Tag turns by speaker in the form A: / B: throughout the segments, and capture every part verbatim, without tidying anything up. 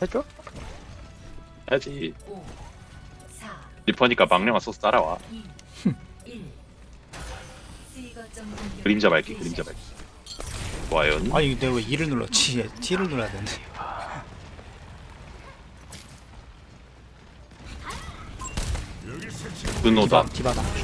A: 해줘?
B: 해야지. 리퍼니까 망령아 소스 따라와. 그림자 밝기, 그림자 밝기. 좋아요.
C: 아니 내가 왜 E를 눌렀지? T를 눌러야 되는데.
B: 분노다.
C: 디바, 디바다.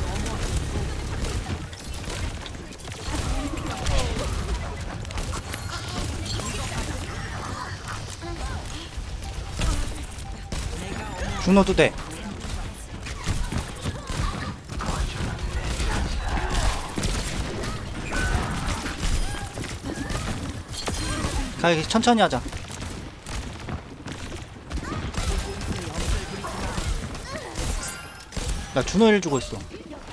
C: 준호도 돼. 가, 이렇게 천천히 하자. 나 준호 일 주고 있어.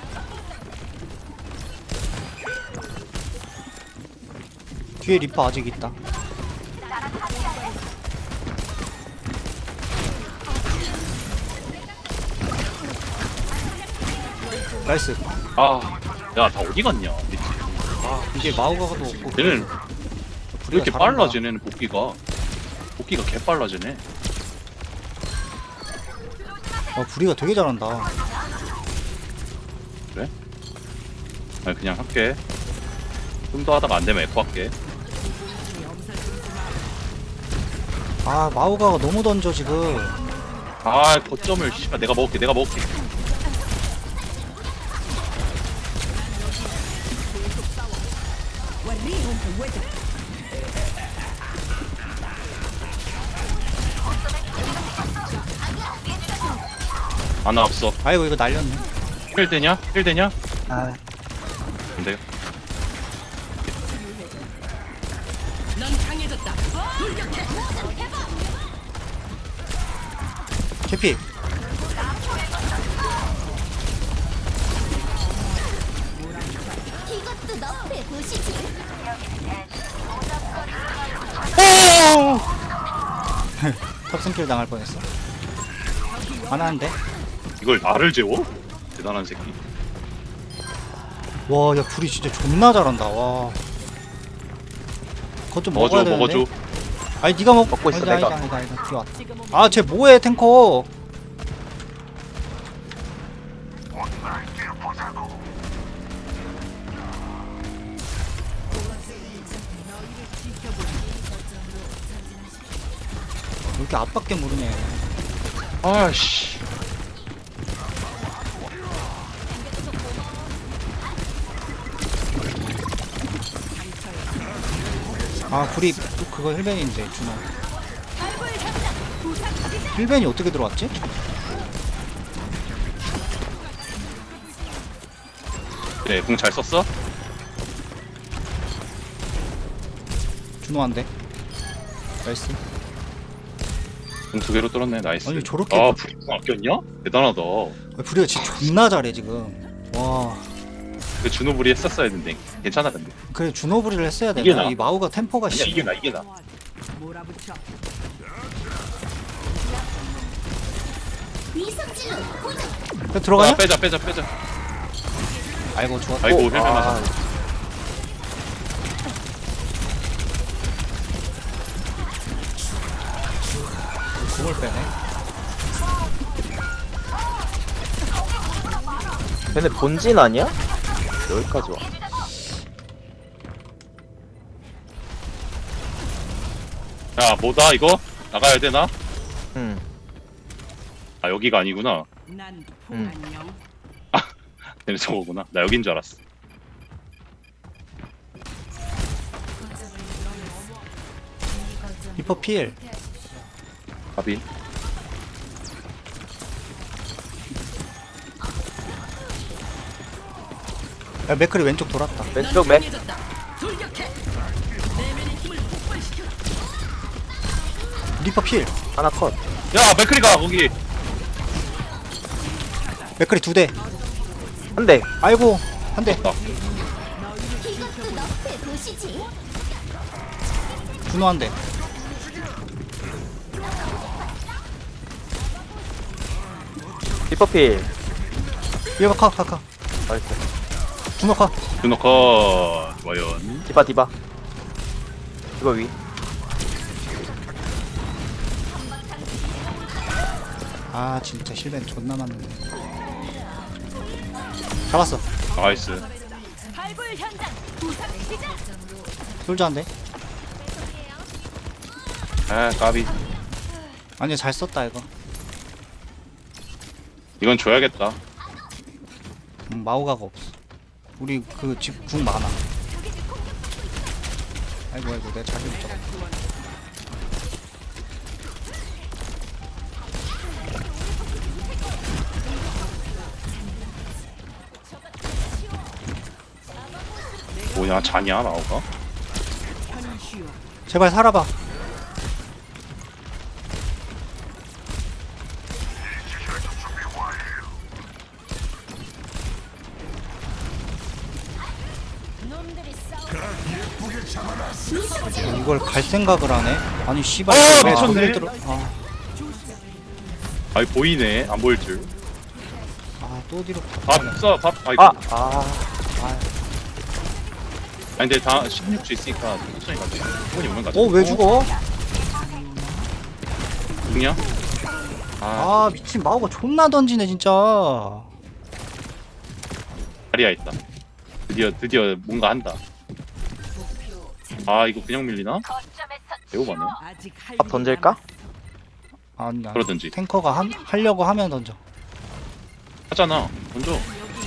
C: 뒤에 리퍼 아직 있다. 나이스.
B: 아, 야, 다 어디 갔냐? 미치.
C: 이게 마우가도 없고.
B: 얘는 왜
C: 부리가
B: 이렇게
C: 잘한다.
B: 빨라, 쟤네는 복귀가. 복귀가 개 빨라, 쟤네.
C: 어, 부리가 되게 잘한다.
B: 아니, 그냥 할게. 좀 더 하다가 안 되면 에코 할게.
C: 아, 마우가가 너무 던져 지금.
B: 아, 거점을, 씨발, 내가 먹을게, 내가 먹을게. 하나 없어.
C: 아이고 이거 날렸네.
B: 힐 되냐? 힐 되냐?
C: 아,
B: 안 돼요.
C: 캐피.
D: 이것도 너프에 보시지.
C: 탑승킬 당할 뻔했어. 안 하는데?
B: 이걸 나를 재워? 대단한 새끼.
C: 와, 야 불이 진짜 존나 잘한다. 와. 그것 좀 먹어야
B: 먹어줘,
C: 되는데.
B: 먹어줘.
C: 아니 네가 먹.
A: 먹고 있어,
C: 아니다,
A: 내가.
C: 아니다, 아니다, 아니다. 뒤에 왔다. 아, 쟤 뭐해 탱커? 왜 이렇게 앞밖에 모르네.
B: 아씨.
C: 아, 불이 또 그거 힐벤인데 준호. 힐벤이 어떻게 들어왔지?
B: 그래, 궁 잘 썼어?
C: 준호 한 대. 나이스.
B: 궁 두 개로 뚫었네, 나이스.
C: 아니, 저렇게
B: 아,
C: 막-
B: 불이 궁 아꼈냐? 대단하다.
C: 아, 불이가 진짜 존나 잘해 지금. 와.
B: 그 준호불이 했었어야 했는데. 괜찮아, 근데.
C: 그래 준호 불이를 했어야
B: 이게
C: 되나?
B: 나.
C: 이 마우가 템포가
B: 아니야,
C: 씨.
B: 이게 나, 이게 나.
D: 위성질로 고정.
C: 그래, 들어가냐?
B: 아, 빼자, 빼자, 빼자.
C: 아이고 좋았다.
B: 아이고,
A: 오,
B: 헬멧
A: 아.
B: 맞았어.
C: 공을 빼네.
A: 걔네 본진 아니야? 여기까지 와.
B: 야, 뭐다, 이거? 나가야 되나?
A: 응.
B: 아, 여기가 아니구나.
E: 난
A: 응.
E: 안녕.
B: 얘네 저거구나. 나 여긴 줄 알았어.
C: 리퍼 필.
B: 가비.
C: 야 맥클이 왼쪽 돌았다.
A: 왼쪽 맥.
C: 리퍼 필.
A: 하나 컷.
B: 야, 맥크리가 거기.
C: 맥클이 두 대.
A: 한 대.
C: 아이고 한 대.
B: 나.
D: 이것도 너프에 보시지.
C: 준호 한 대.
A: 리퍼필.
C: 얘가 카, 카, 카.
A: 나이스.
C: 준호 카.
B: 준호 컷. 좋아요.
A: 디바 디바. 이거 위.
C: 아 진짜 실벤 존나 맞네. 잡았어.
B: 나이스.
D: 발굴 현장 부상 시작.
C: 솔저한데.
B: 아 까비.
C: 아니 잘 썼다 이거.
B: 이건 줘야겠다.
C: 음, 마오가가 없어. 우리 그 집 궁 많아. 아이고 아이고 내가 자기 못 잡았다.
B: 뭐냐 잔이야 나오가?
C: 제발 살아봐.
D: 놈들이 싸우.
C: 이걸 갈 생각을 하네. 아니 씨발
B: 아,
C: 왜
B: 미쳤네.
C: 저기를 들어? 아,
B: 아이 보이네 안 보일 줄.
C: 아, 또 뒤로.
B: 밥 써, 밥. 아이고.
A: 아!
B: 아.
A: 아!
B: 아니 근데 다 십육 주 있으니까 천천히 가자. 손이 오면 가자.
C: 어 왜 죽어?
B: 죽냐? 아,
C: 아 미친 마오가 존나 던지네 진짜.
B: 자리야 있다. 드디어 드디어 뭔가 한다. 아 이거 그냥 밀리나? 배우 맞네.
A: 밥 던질까?
C: 아니 아니.
B: 그러든지.
C: 탱커가 한, 하려고 하면 던져.
B: 하잖아. 던져.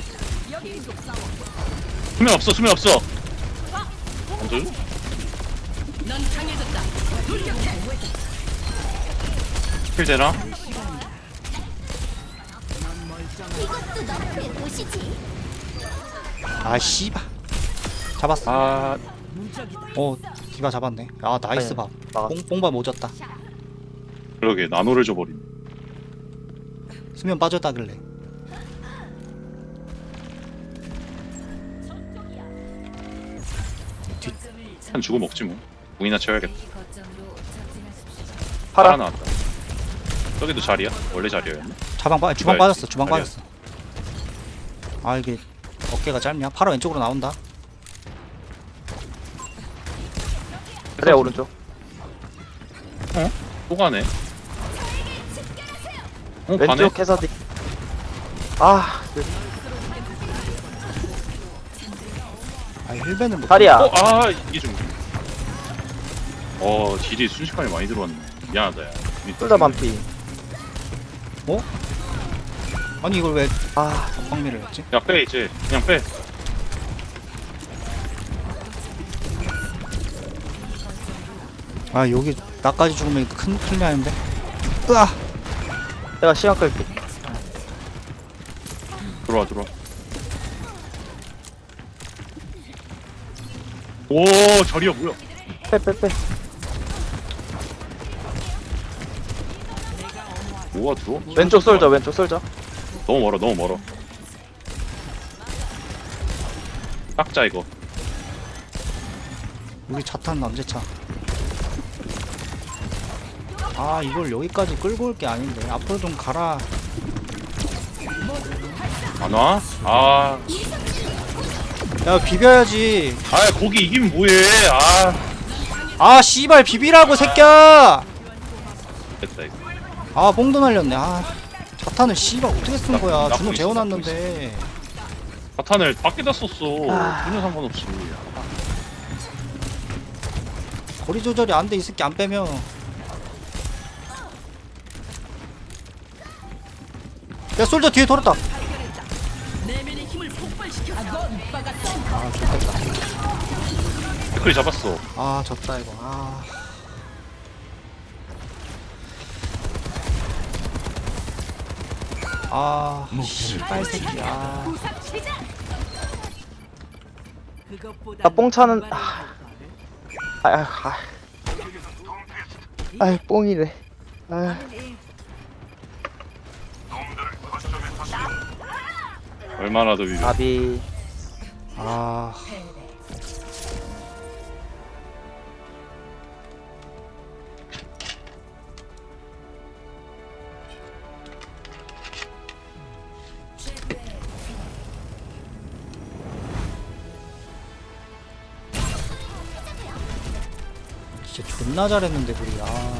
B: 수면 없어 수면 없어. 던져. 킬 되나?
D: 이것도 너프의 도시지.
C: 아 씨발. 잡았어.
B: 아
C: 어 디바 잡았네. 아 나이스
A: 아니,
C: 밥.
A: 막았어.
C: 뽕 뽕밥 오졌다.
B: 그러게 나노를 줘버린.
C: 수면 빠졌다길래.
B: 한 주고 먹지 뭐. 공이나 쳐야겠다.
A: 팔아.
B: 하나 나왔다. 저기도 자리야? 원래 자리였나?
C: 자방 빠 주방
B: 디바였지.
C: 빠졌어. 주방
B: 아니야.
C: 빠졌어. 아 이게 어깨가 짧냐? 팔아 왼쪽으로 나온다.
A: 그래 오른쪽.
B: 또 가네. 어 가네.
A: 왼쪽 해서 디. 아! 그-
C: 아 힐벤을 못.
A: 다리야.
B: 어, 아 이게 좀. 어 딜이 순식간에 많이 들어왔네. 미안하다 야.
A: 쏠자 반피.
C: 아니 이걸 왜
A: 아!
C: 방미를 했지?
B: 야 빼 이제 그냥 빼.
C: 아 여기 나까지 죽으면 큰 큰일 나는데. 으아.
A: 내가 시간 끌게.
B: 들어와 들어와. 오 자리야 뭐야?
A: 빼 빼 빼.
B: 뭐가 들어?
A: 왼쪽 쏠자 왼쪽 쏠자.
B: 너무 멀어 너무 멀어. 깎자 이거.
C: 우리 자탄 남제차. 아 이걸 여기까지 끌고 올 게 아닌데 앞으로 좀 가라.
B: 안 와? 아,
C: 야 비벼야지.
B: 아 거기 이기면 뭐해? 아,
C: 아 씨발 비비라고 새끼야.
B: 됐다 이거.
C: 아 뽕도 날렸네. 아 자탄을 씨발 어떻게 쓴 거야?
B: 나-
C: 주먹
B: 나쁘고
C: 재워놨는데.
B: 사탄을 밖에다 썼어.
A: 아.
B: 전혀 상관없이.
C: 거리 조절이 안 돼 이 새끼 안 빼면. 야 솔저 뒤에 돌았다. 아 좋겠다.
B: 댓글이 잡았어.
C: 아 졌다 이거. 아. 아 씨발 새끼. 아.
D: 부상 시작.
A: 나 뽕차는 아. 아, 아, 아. 아이 뽕이래. 아.
B: 얼마나 더 비벼.
A: 아비.
C: 아. 진짜 존나 잘했는데 우리. 아.